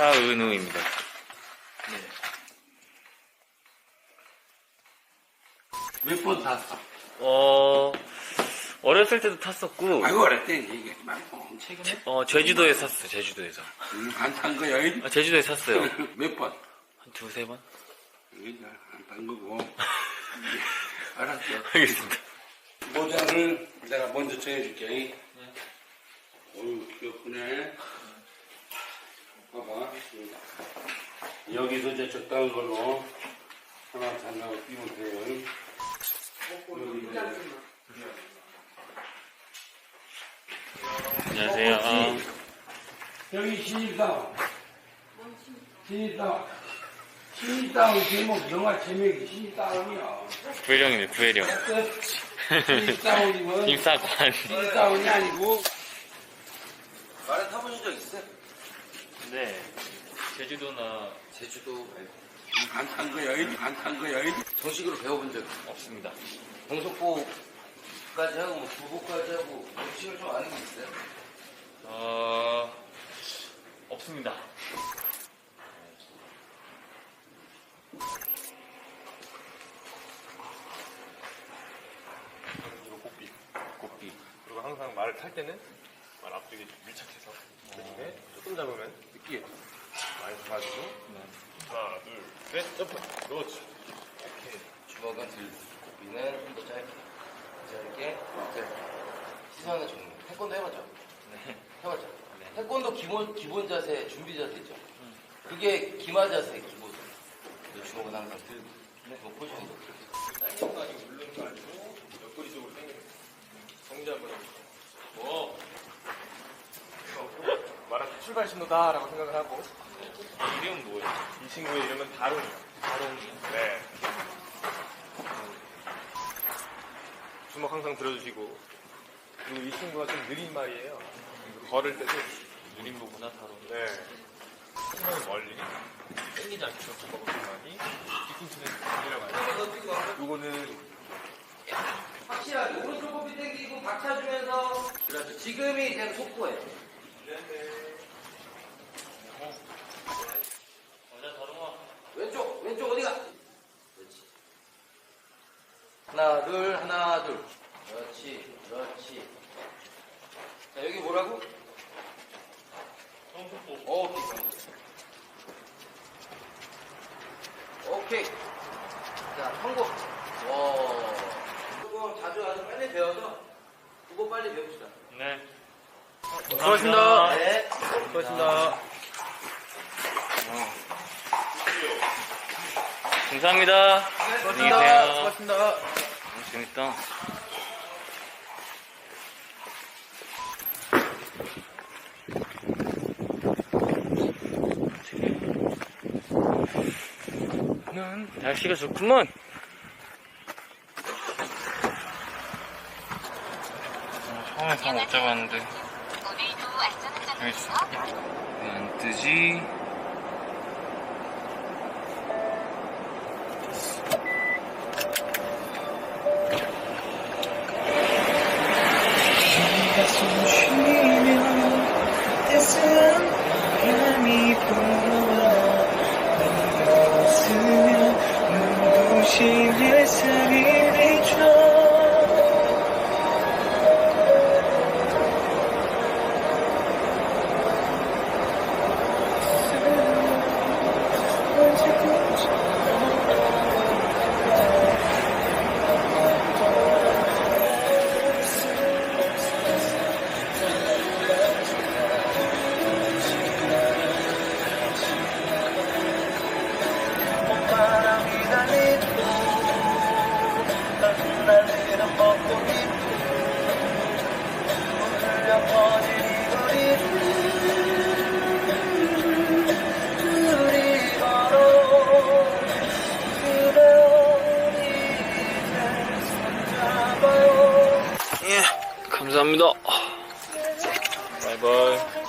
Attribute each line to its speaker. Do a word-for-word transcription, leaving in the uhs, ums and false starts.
Speaker 1: 차은우입니다. 네.
Speaker 2: 몇 번 탔어?
Speaker 1: 어, 어렸을 때도 탔었고,
Speaker 2: 아이고, 어렸대. 얘기하지 말고.
Speaker 1: 제, 어, 제주도에 샀어요, 제주도에서.
Speaker 2: 음, 안 탄 거야?
Speaker 1: 아, 제주도에 샀어요.
Speaker 2: 몇 번?
Speaker 1: 한 두세 번?
Speaker 2: 안 탄 거고. 알았어.
Speaker 1: 알겠습니다.
Speaker 2: 모자를 내가 먼저 정해줄게. 네. 어휴, 귀엽네. 봐봐. 여기서 이제 적당한 걸로 하나 잘라고 끼면 돼요.
Speaker 1: 안녕하세요. 어,
Speaker 2: 여기 신입사원. 신입사원. 신입사원 제목, 영화 제목이 신입사원이야.
Speaker 1: 구혜령이네, 구혜령.
Speaker 2: 신입사원이면
Speaker 1: 김사관.
Speaker 2: 신입사원이 아니고.
Speaker 3: 말에 타보신 적 있어요?
Speaker 1: 네. 제주도나
Speaker 3: 제주도
Speaker 2: 안 탄 거야, 안 탄 거야.
Speaker 3: 정식으로 배워본 적
Speaker 1: 없습니다.
Speaker 3: 동석보까지 하고 뭐 부보까지 하고 정식을 좀 아는 게 있어요?
Speaker 1: 어, 없습니다.
Speaker 4: 이거 꽃비.
Speaker 1: 꽃비.
Speaker 4: 그리고 항상 말을 탈 때는 말 앞쪽에 밀착해서 대신에 조금 잡으면 느끼게 많이 잡아주고 하나 둘셋 점프 그렇지. 오케이.
Speaker 3: 주먹은 들고 고비는 좀 더 짧게 짧게 이제 시선을 정리. 태권도 해봤죠?
Speaker 1: 네.
Speaker 3: 해봤죠?
Speaker 1: 네.
Speaker 3: 태권도 기본 기본 자세 준비 자세 있죠? 그게 기마 자세 기본. 주먹은 항상 들고 네. 뭐 포지션도
Speaker 4: 당기는 거 아니고 누르는 거 아니고 옆구리 쪽으로 당기는 거. 정지 한번 해보세요. 뭐 말한 출발 신호다라고 생각을 하고
Speaker 1: 이름은 뭐예요?
Speaker 4: 이 친구의 이름은 다롱이요.
Speaker 1: 다롱이요?
Speaker 4: 네. 주먹 항상 들어주시고 그리고 이 친구가 좀 느린 말이에요. 걸을 때도
Speaker 1: 느린 거구나, 다롱.
Speaker 4: 네. 신경이 멀리 땡기지 않죠. 주먹을 많이 뒤꿈치는 내려가요. 요거는
Speaker 3: 확실하게 오른쪽 고비 당기고 박차주면서 그렇죠. 지금이 그냥 속보예요.
Speaker 1: 어자, 다롱아.
Speaker 3: 왼쪽 왼쪽 어디가? 그렇지. 하나 둘 하나 둘 그렇지 그렇지. 자 여기 뭐라고?
Speaker 1: 성속보.
Speaker 3: 오케이 오케이. 자 성공. 와 조금 자주 아주 빨리 배워서 그거 빨리 배웁시다.
Speaker 1: 네.
Speaker 4: 수고하셨습니다.
Speaker 3: 네.
Speaker 4: 수고하셨습니다.
Speaker 1: 감사합니다. 안녕히 계세요.
Speaker 4: 수고하셨습니다.
Speaker 1: 어, 재밌다. 음, 날씨가 좋구먼. 처음에 잠 못 잡았는데 여기 있어. 왜 안 뜨지?
Speaker 5: 숨 쉬면 따스한 바람이 불어와 네가 웃으면 눈부신 햇살이 비춰 바람이 달리고 날리는 벚꽃잎 울려 퍼진 이 거리를 우리 걸어 그대로 이제 손잡아요.
Speaker 1: 예, 감사합니다. 바이바이.